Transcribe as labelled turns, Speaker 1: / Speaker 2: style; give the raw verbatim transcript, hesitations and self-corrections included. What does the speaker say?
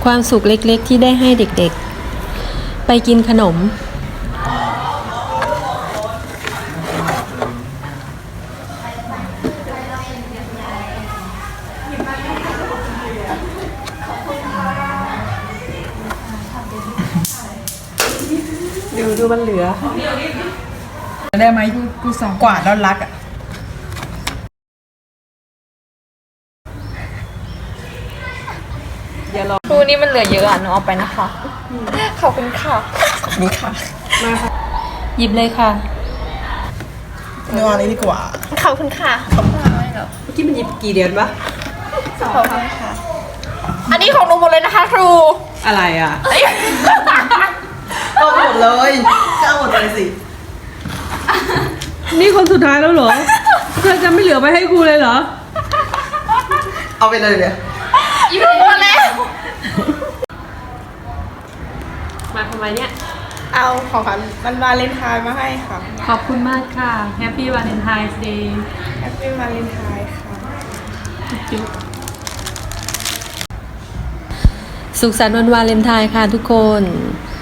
Speaker 1: ความสุขเล็กๆที่ได้ให้เด็กๆไปกินขนมดูดูมันเหลือ
Speaker 2: ได้ไหมกูสองกว่าแล้วรักอ่ะ
Speaker 3: ครูนี่มันเหลือเยอะอ่ะหนูเอาไปนะคะขอบคุณค่ะขอบคุณค่ะ
Speaker 1: มาค่ะหยิบเลยค่ะ
Speaker 2: เนื้ออันนี้ดีกว่า
Speaker 3: ขอบคุณค่ะขอบคุณค่ะไม่หรอก
Speaker 1: เมื่อกี้มันหยิบกี่เดือนปะ
Speaker 3: ขอบคุณค่ะอันนี้ของหนูหมดเลยนะคะครู
Speaker 1: อะไรอ่ะ
Speaker 2: เอาหมดเลยก็เอาหมดเลยสิ
Speaker 1: นี่คนสุดท้ายแล้วเหรอเธอจะไม่เหลือไปให้ครูเลยเหรอ
Speaker 2: เอาไปเลยเนี่ย
Speaker 3: อีกหมดแล้ว
Speaker 1: มาทำไมเนี่ย
Speaker 3: เอาของขวัญวันวาเลนไทน์มาให้ค่ะ
Speaker 1: ขอบคุณมากค่ะ Happy Valentine's Day
Speaker 3: Happy Valentine ค่ะ
Speaker 1: จุ๊บสุขสันต์วันวาเลนไทน์ค่ะทุกคน